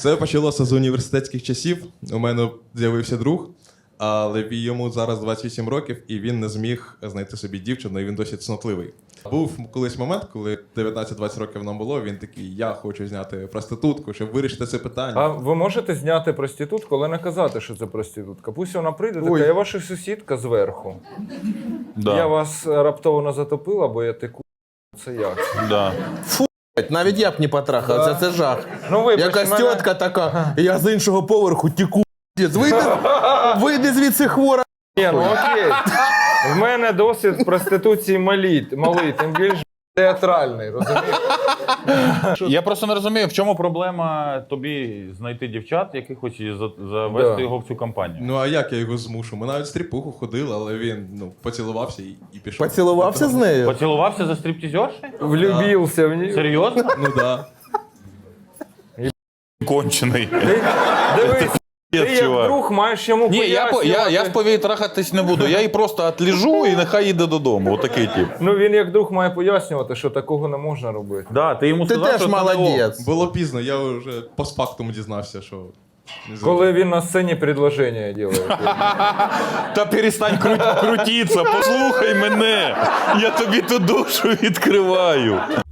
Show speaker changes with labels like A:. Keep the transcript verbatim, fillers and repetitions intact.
A: Все почалося з університетських часів. У мене з'явився друг, але йому зараз двадцять вісім років, і він не зміг знайти собі дівчину, і він досить цнотливий. Був колись момент, коли дев'ятнадцять-двадцять років нам було, він такий, я хочу зняти проститутку, щоб вирішити це питання.
B: А ви можете зняти проститутку, але не казати, що це проститутка. Пусть вона прийде,
A: Ой.
B: така, я ваша сусідка зверху.
C: Да.
B: Я вас раптово затопила, бо я теку. Це як?
C: Да.
D: Навіть я б не потрахав, це, це жах.
B: Ну, вибач,
D: Якась
B: мене-
D: тітка така, я з іншого поверху тіку. Вийди, вийди звідси хвора.
B: Ні, ну окей. В мене досвід проституції малий, малий, тим більш театральний, розумієш?
C: Я просто не розумію, в чому проблема тобі знайти дівчат, якихось і за- завести
B: Да.
C: його в цю компанію.
A: Ну а як я його змушу? Ми навіть стріпуху ходили, але він ну, поцілувався і, і пішов.
D: Поцілувався з нею?
C: Поцілувався за стриптизершею?
B: Влюбився в ній.
C: Серйозно?
A: Ну да.
C: Кончений.
B: Дивись, ти як
C: чувак.
B: друг маєш йому
C: Ні, я, по- я, я
B: пояснювати.
C: в повії трахатись не буду. Я її просто отліжу і нехай їде додому. Отакий тип.
B: Ну він як друг має пояснювати, що такого не можна робити.
C: Да, ти йому
D: Ти
C: сказав,
D: теж
C: що це не ок.
D: молодець.
A: Було пізно, я вже постфактум дізнався, що... не знаю.
B: Коли він на сцені предложення робить.
C: Та перестань кру- крутитися, послухай мене. Я тобі ту душу відкриваю.